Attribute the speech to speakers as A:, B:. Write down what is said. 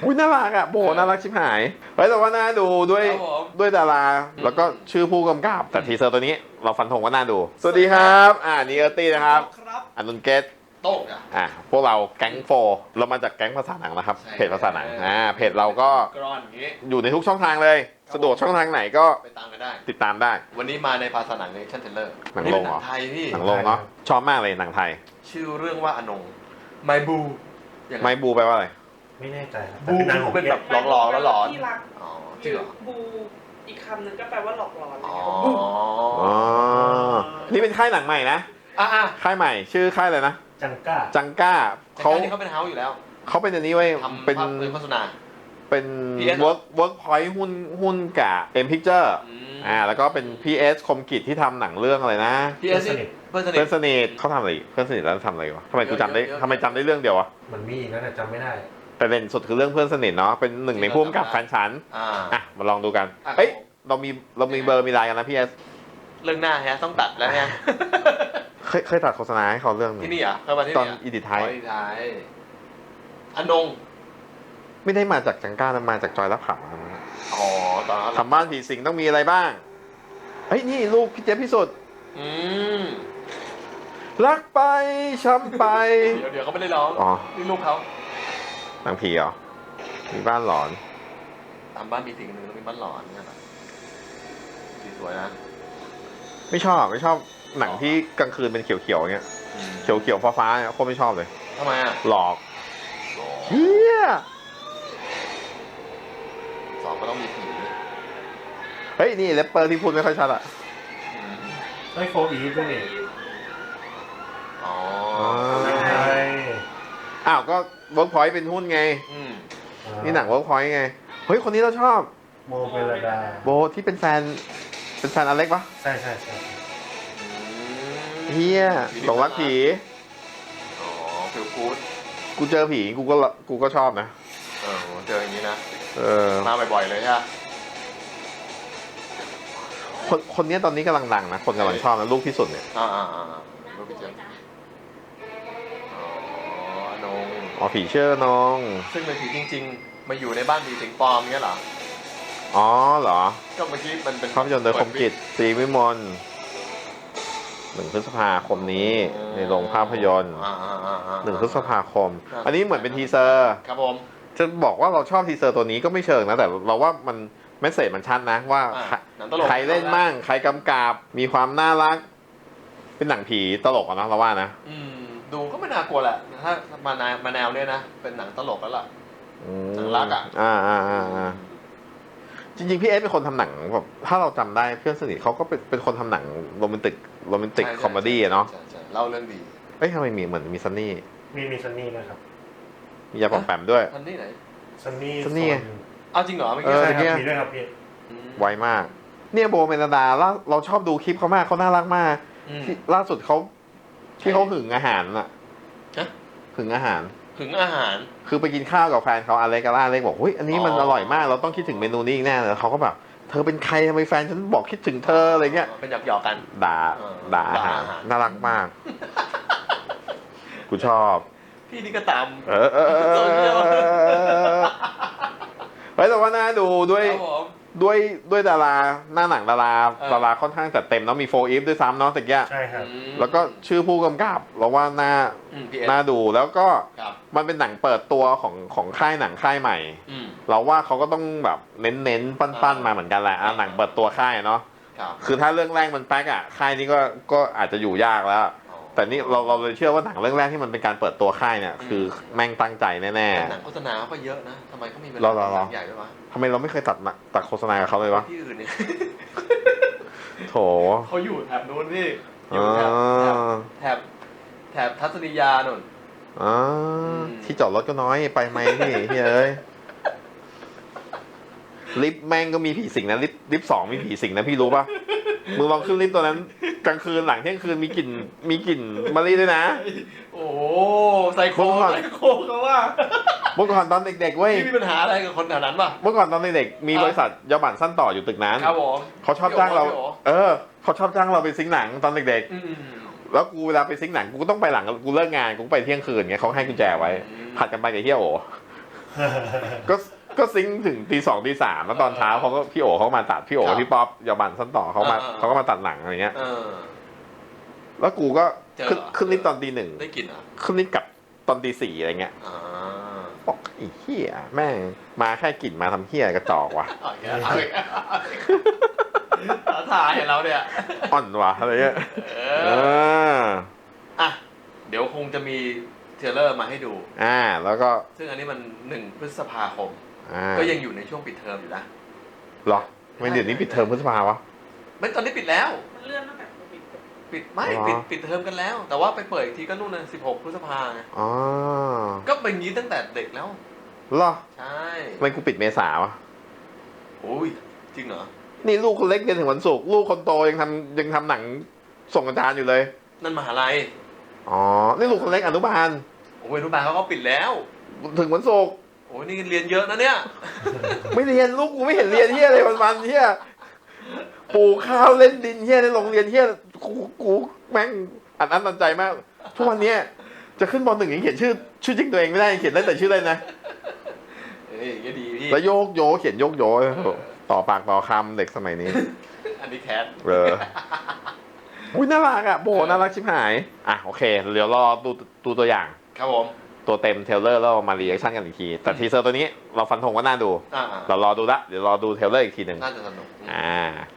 A: อุ้ยน่ารักอ่ะโบน่ารักชิบหายเฮ้ยแต่ว่าน่าดูด้วยดาราแล้วก็ชื่อผู้กำกับแต่ทีเซอร์ตัวนี้เราฟันธงว่าน่าดูสวัสดีครับนี่เออร์ตี้นะครับอนุนเกต
B: โต้
A: พวกเราแก๊งโฟเรามาจากแก๊งภาษาหนังนะครับเพจภาษาหนังเพจเราก็อยู่ในทุกช่องทางเลยสะดวกช่องทางไหนก็
B: ไปตามกันได้
A: ติดตามได้
B: วันนี้มาในภาษาหนังในชั่นเทเลอร์
A: หนังลงเหรอ
B: ไทยพี่
A: หนังลงเนาะชอบมากเลยหนังไทย
B: ชื่อเรื่องว่าอนงไมบู
A: ไมบูแปลว่าอะไร
C: ไม่แน่ใจ
B: บูเป็นแบบหลอกแล้วหลอน
D: ที่รัก
B: จริงเหรอ
D: บูอีกคำหนึ่งก็แปลว่าหลอกหลอน
A: อ๋อนี่เป็นค่ายหนังใหม่นะค่ายใหม่ชื่อค่ายอะไรนะ
C: จัง
B: เ
A: ก้า
B: ขาเป็นเฮาส์อยู่แล้ว
A: เขาเป็นอันนี้ไว้
B: เป็นโฆษณา
A: เป็นเวิร์กพอยต์หุ้นกับเอ็มพิกเจอร์แล้วก็เป็น PS คมกิจที่ทำหนังเรื่องอะไรนะ
B: PS
A: เพื่อนสนิทเขาทำอะไรเพื่อนสนิทแล้วทำอะไรวะทำไมกูจำได้เรื่องเดียววะ
C: มันมีนั่นจำไม่ได้
A: แต่เด่นสุดคือเรื่องเพื่อนสนิทเนาะเป็นหนึ่งในผู้กำกับแฟนฉันมาลองดูกันเฮ้ยเรามีเบอร์มีไลน์กันนะ PS
B: เรื่องหน้าฮะต้องตัดแล้วฮะ
A: เคยตัดโฆษณาให้เขาเรื่องนึง
B: ที่นี่อ่ะเข้ามาที่นี่
A: ตอนอีดิทไทย
B: อนง
A: ไม่ได้มาจากจังก้านะมาจากจอยรับขับ
B: ตอนนั้น
A: ทำบ้านผีสิงต้องมีอะไรบ้างเฮ้ยนี่ลูกพี่เจ๊พิสุทธิ์รักไปช้ำไป
B: เดี๋ยวเขาไม่ได้ร้องนี่ลูกเขา
A: หนังผีเหรอมีบ้านหลอน
B: ทำบ้านผีสิงหนึ่งแล้วมีบ้านหลอนเนี่ยสวยนะ
A: ไม่ชอบหนังที่กลางคืนเป็นเขียวๆเงี้ยเขียวฟ้าๆเนี่ยโคตรไม่ชอบเลย
B: ทำไม
A: หลอกเฮีย
B: สองก็ต้องมีผี
A: เฮ้ยนี่แรปเปอร์ที่พูดไม่ค่อยชัดอะ
C: ไอ้โฟอีฟด้วยนี่
A: ก็เวิร์กพอยต์เป็นหุ้นไงนี่หนังเวิร์กพอยต์ไงเฮ้ยคนนี้เราชอบ
C: โบเบลดา
A: โบที่เป็นแฟนอเล็กปะ
C: ใช่
A: เฮียหลงรักผี
B: ฟิลกู๊ด
A: กูเจอผีกูก็ชอบนะ
B: เจออย่างนี้นะมาบ่อยๆเลยใช่
A: คนนี้ตอนนี้กำลังดังนะคนกำลังชอบนะลูกที่สุดเนี่ย
B: ลูกพี่เจม
A: ผีเชื่อนง
B: ซึ่งเป็นผีจริงๆมาอยู่ในบ้านผีสิงปลอมเงี้ยเหรอ
A: เหรอ
B: ก็เมื่อกี้มันเป็น
A: ภาพยนตร์โดยคมกิจศรีวิมล1 พฤษภาคมนี้ในโรงภาพยนตร์1 พฤษภาคมอันนี้เหมือนเป็นทีเซอร์
B: ครับผม
A: จะบอกว่าเราชอบทีเซอร์ตัวนี้ก็ไม่เชิงนะแต่เราว่ามันเมสเสจมันชัดนะว่าใครเล่นมั่งใครกำกับมีความน่ารักเป็นหนังผีตลกนะเราว่านะ
B: ดูก็ไม่น่ากลัวแหละถ้ามาแนวเนี้ยนะเป็นหนังตลกแล้วล่ะหนังรัก
A: จริงๆพี่เอสเป็นคนทำหนังแบบถ้าเราจำได้เพื่อนสนิทเขาก็เป็นคนทำหนังโรแมนติกคอมเมดี้เนาะ
B: เล่าเรื่องดี
A: ทำไมเหมือนมีซันนี่
C: มีซันนี่นะครับ
A: มียาปอมแปมด้วย
B: ซันนี่ไหน
C: ซันนี่
B: เอาจริงเหรอเมื่อ
C: กี้มีด้วยครับพี่
A: ไวมากเนี่ยโบเมลดาเราชอบดูคลิปเขามากเขาน่ารักมากล่าสุดเขาที่เขาหึงอาหารน่ะหึงอาหารคือไปกินข้าวกับแฟนเขาอเล็กบอกเฮ้ยอันนี้มันอร่อยมากเราต้องคิดถึงเมนูนี้อีกแน่เลยเขาก็แบบเธอเป็นใครทำไมแฟนฉันบอกคิดถึงเธออะไรเงี้ย
B: เป็นหยอกกัน
A: ด่าอาหารน่ารักมากกูชอบ
B: พี่นี่ก็ตาม
A: แต่ว่าน่าดูด้วยดาราหน้าหนังดาราค่อนข้างจัดเต็มเนาะมีโฟอีฟด้วยซ้ำเนาะแต่แก
C: ใช่ครับ
A: แล้วก็ชื่อผู้กำกับเราว่าน่าดูแล้วก็มันเป็นหนังเปิดตัวของค่ายหนังค่ายใหม่เราว่าเขาก็ต้องแบบเน้นปั้นมาเหมือนกันแหละหนังเปิดตัวค่ายเนาะคือถ้าเรื่องแรกมันแป๊กค่ายนี้ก็อาจจะอยู่ยากแล้วแต่นี่เราเลยเชื่อว่าหนังเรื่องแรกที่มันเป็นการเปิดตัวค่ายเนี่ยคือแม่งตั้งใจแน่
B: ๆหนังโฆษณาก็เยอะนะทำไมเขามีเวลาใหญ่ด้วยวะ
A: ทำไมเราไม่เคยตัดโฆษณากับเขาเลยวะ
B: ที่อื่นเนี่ย
A: โถ
B: เขาอยู่แถบนู้นพี่อยู่แถบทัศนียาหนุน
A: ที่จอดรถก็น้อยไปไหมพี่เอ้ยลิฟต์แม่งก็มีผีสิงนะลิฟต์2มีผีสิงนะพี่รู้ป่ะมึงลองขึ้นลิฟต์ตัวนั้นกลางคืนหลังเที่ยงคืนมีกลิ่นมะลิด้วยนะ
B: โอ้ไซโคเขาว่า
A: เมื่อก่อนตอนเด็กๆเว้ย
B: มีปัญหาอะไรกับคนแถวนั้นป่ะ
A: เมื่อก่อนตอนเด็กๆมีบริษัทยาหม่านสั้นต่ออยู่ตึกนั้น
B: ครับผม
A: เขาชอบจ้างเราเขาชอบจ้างเราไปซิงหนังตอนเด็กๆแล้วกูเวลาไปซิงหนังกูก็ต้องไปหลังกูเลิกงานกูไปเที่ยงคืนไงเขาให้กุญแจไว้ผัดกันไปกับเฮียโอก็ซิงค์ถึงตี 2ตี 3แล้วตอนเช้าเขาก็พี่โอเขาก็มาตัดพี่โอพี่ป๊อปยาบันสั้นต่อเขาก็มาตัดหนังอะไรเงี้ยแล้วกูก็ขึ้นลิฟต์ตอนตี 1
B: ได้กลิ่นอ่ะ
A: ขึ้นลิฟต์กลับตอนตี 4อะไรเงี้ยบอกไอ้เหี้ยแม่งมาแค่กลิ่นมาทำเหี้ยกระจอกว่ะ
B: ถ่ายเราเนี่ย
A: อ่อนว่ะอะไรเงี้ย
B: อ่ะเดี๋ยวคงจะมีเทรลเลอร์มาให้ดู
A: แล้วก็
B: ซึ่งอันนี้มัน1 พฤษภาคมก็ยังอยู่ในช่วงปิดเทอมอยู่นะ
A: หรอไม่เดี๋ยวนี้ปิดเทอมพฤษภาวะ
B: ไม่ตอนนี้ปิดแล้ว
D: มันเลื่อนตั้งแต่
B: ปิดไม่ปิดเทอมกันแล้วแต่ว่าไปเปิดอีกทีก็นู่นนะ16 พฤษภาไงก็เป็นอย่างนี้ตั้งแต่เด็กแล้ว
A: หรอ
B: ใช่
A: ไม่กูปิดเมษาวะ
B: โอ้ยจริงเหรอ
A: นี่ลูกคนเล็กเรียนถึงวันศุกร์ลูกคนโตยังทำหนังส่งอาจารย์อยู่เลย
B: นั่นมหาลัย
A: นี่ลูกคนเล็กอนุบาล
B: โอ้ยอนุบาลเขาก็ปิดแล้ว
A: ถึงวันศุกร์
B: โอ้ยนี่เรียนเยอะนะเนี่ย
A: ไม่เรียนลูกกูไม่เห็นเรียนเฮียอะไรวันเฮียปลูกข้าวเล่นดินเฮียในโรงเรียนเฮียกูแม่งอัดอั้นตันใจมากทุกวันนี้จะขึ้นม.1ยังเขียนชื่อจริงตัวเองไม่ได้เขียนได้แต่ชื่อเลยนะ
B: ก็ดีพี่
A: แล้วโยกโยเขียนโยกโยต่อปากต่อคำเด็กสมัยนี้
B: อันนี้แคท
A: อุ้ยน่ารักอ่ะโบน่ารักชิบหายโอเคเดี๋ยวรอดูตัวอย่าง
B: ครับผม
A: ตัวเต็มเทรลเลอร์แล้วมารีแอคชั่นกันอีกทีแต่ทีเซอร์ตัวนี้เราฟันธงว่าน่าดูเรารอดูละเดี๋ยวรอดูเทรลเลอร์อีกทีหนึ่ง
B: น่าจะสนุก